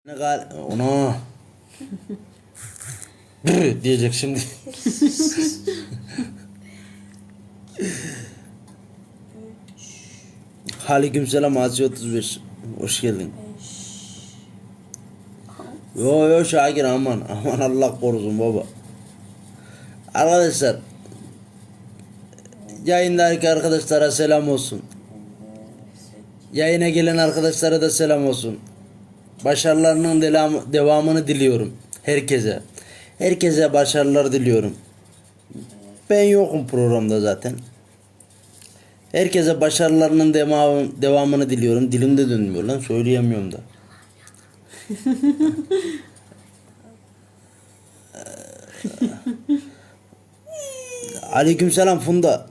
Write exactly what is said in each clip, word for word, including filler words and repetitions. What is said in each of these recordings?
Ne gal ona Brr diyecek şimdi. Aleykümselam Asi otuz beş. Hoş geldin. Yo yo Şakir aman aman Allah korusun baba. Arkadaşlar yayındaki arkadaşlara selam olsun. Yayına gelen arkadaşlara da selam olsun. Başarılarının devam, devamını diliyorum herkese. Herkese başarılar diliyorum. Ben yokum programda zaten. Herkese başarılarının devam, devamını diliyorum. Dilimde dönmüyor lan, söyleyemiyorum da. Aleykümselam Funda.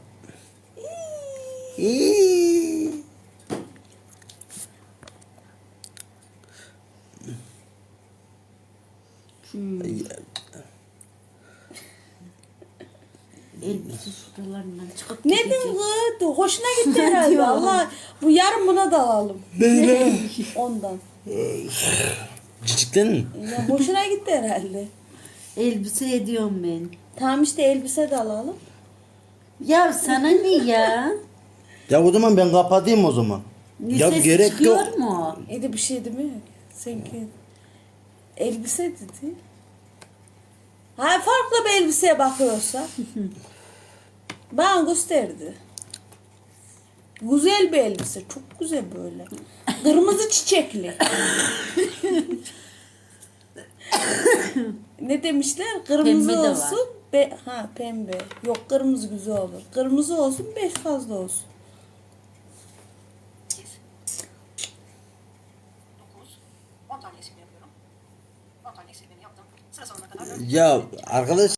Hmm. Elbise şuralarından çıkıp Ne gidecek. kız? Hoşuna gitti herhalde. Allah bu yarın buna da alalım. Ne? Ondan. Cicikten mi? Ya hoşuna gitti herhalde. Elbise ediyorum ben. Tamam işte elbise de alalım. Ya sana ne ya? Ya o zaman ben kapatayım o zaman. Ne Ya ses gerek çıkıyor yok. mu? Ede bir şey değil mi? Sanki elbise dedi. Ha farklı bir elbiseye bakıyorsa. Bana gösterdi. Güzel bir elbise. Çok güzel böyle. Kırmızı çiçekli. Ne demişler? Kırmızı Pembe de var. olsun. Be ha pembe. Yok kırmızı güzel olur. Kırmızı olsun beş fazla olsun. on tane eksiltme yapıyorum. on tane eksiltmemi yaptım. Sıra sonuna kadar Ya arkadaş